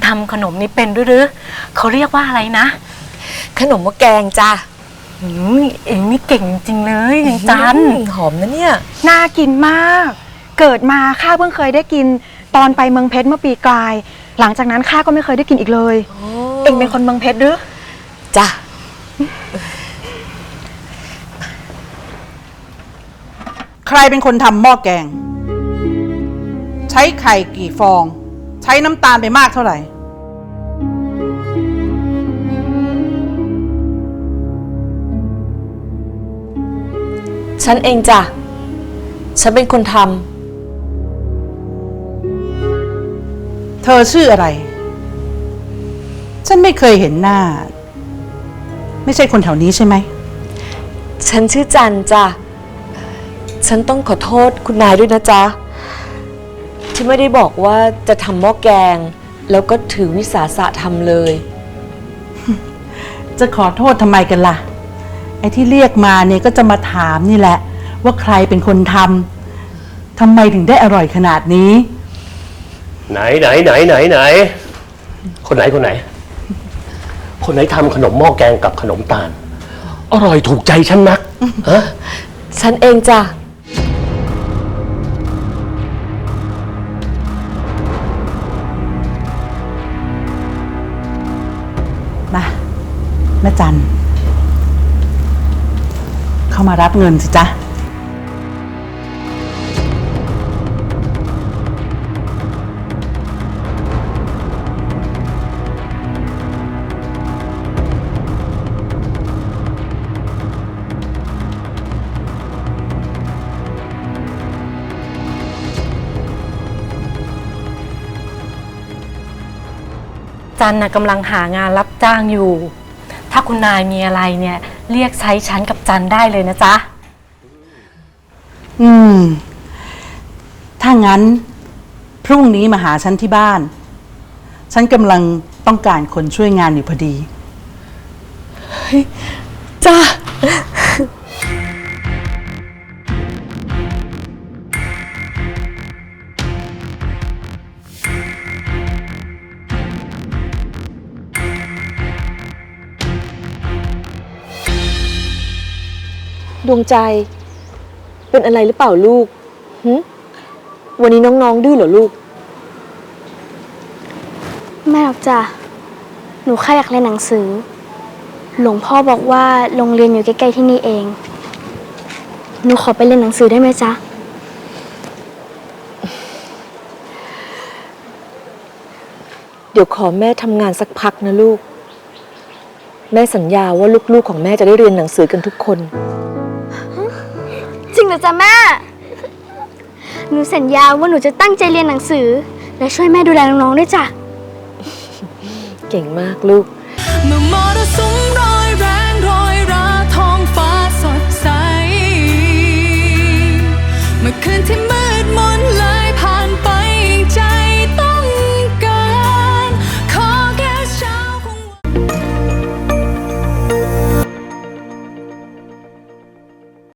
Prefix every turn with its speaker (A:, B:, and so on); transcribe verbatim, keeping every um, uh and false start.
A: ทำขนมนี้เป็นด้วยหรือเขาเรียกว่าอะไรนะ
B: ขนมหม้อแกงจ้ะ
A: อืมเองนี่เก่งจริงเลยอย่างจัน
B: หอมนะเนี่ย
C: น่ากินมากเกิดมาข้าเพิ่งเคยได้กินตอนไปเมืองเพชรเมื่อปีกลายหลังจากนั้นข้าก็ไม่เคยได้กินอีกเลยเองเป็นคนเมืองเพชรหรือ
B: จ้ะ
D: ใครเป็นคนทำหม้อแกงใช้ไข่กี่ฟองใช้น้ำตาลไปมากเท่าไหร่
B: ฉันเองจ้ะฉันเป็นคนท
D: ำเธอชื่ออะไรฉันไม่เคยเห็นหน้าไม่ใช่คนแถวนี้ใช่ไหม
B: ฉันชื่อจันจ้ะฉันต้องขอโทษคุณนายด้วยนะจ๊ะที่ไม่ได้บอกว่าจะทำหม้อแกงแล้วก็ถือวิสาสะทำเลย
D: จะขอโทษทำไมกันล่ะไอ้ที่เรียกมาเนี่ยก็จะมาถามนี่แหละว่าใครเป็นคนทำทำไมถึงได้อร่อยขนาดนี้
E: ไหนไหนไหนไหนไหนคนไหนคนไหนคนไหนทำขนมหม้อแกงกับขนมตาลอร่อยถูกใจฉันนักฮะ
B: ฉันเองจ้ะ
D: มาแม่จันเข้ามารับเงินสิจ๊ะ
A: จันน่ะกำลังหางานรับจ้างอยู่ถ้าคุณนายมีอะไรเนี่ยเรียกใช้ฉันกับจันได้เลยนะจ๊ะ
D: อืมถ้างั้นพรุ่งนี้มาหาฉันที่บ้านฉันกำลังต้องการคนช่วยงานอยู่พอดี
B: จ้าดวงใจเป็นอะไรหรือเปล่าลูกหึวันนี้น้องๆดื้อเหรอลูก
F: ไม่หรอกจ้ะหนูแค่อยากเรียนหนังสือหลวงพ่อบอกว่าโรงเรียนอยู่ใกล้ๆที่นี่เองหนูขอไปเรียนหนังสือได้ไหมจ๊ะ
B: เดี๋ยวขอแม่ทำงานสักพักนะลูกแม่สัญญาว่าลูกๆของแม่จะได้เรียนหนังสือกันทุกคน
F: จริงเหรอจ๊ะแม่หนูสัญญาว่าหนูจะตั้งใจเรียนหนังสือและช่วยแม่ดูแลน้องๆด้วยจ้ะ
B: เก่งมากลูก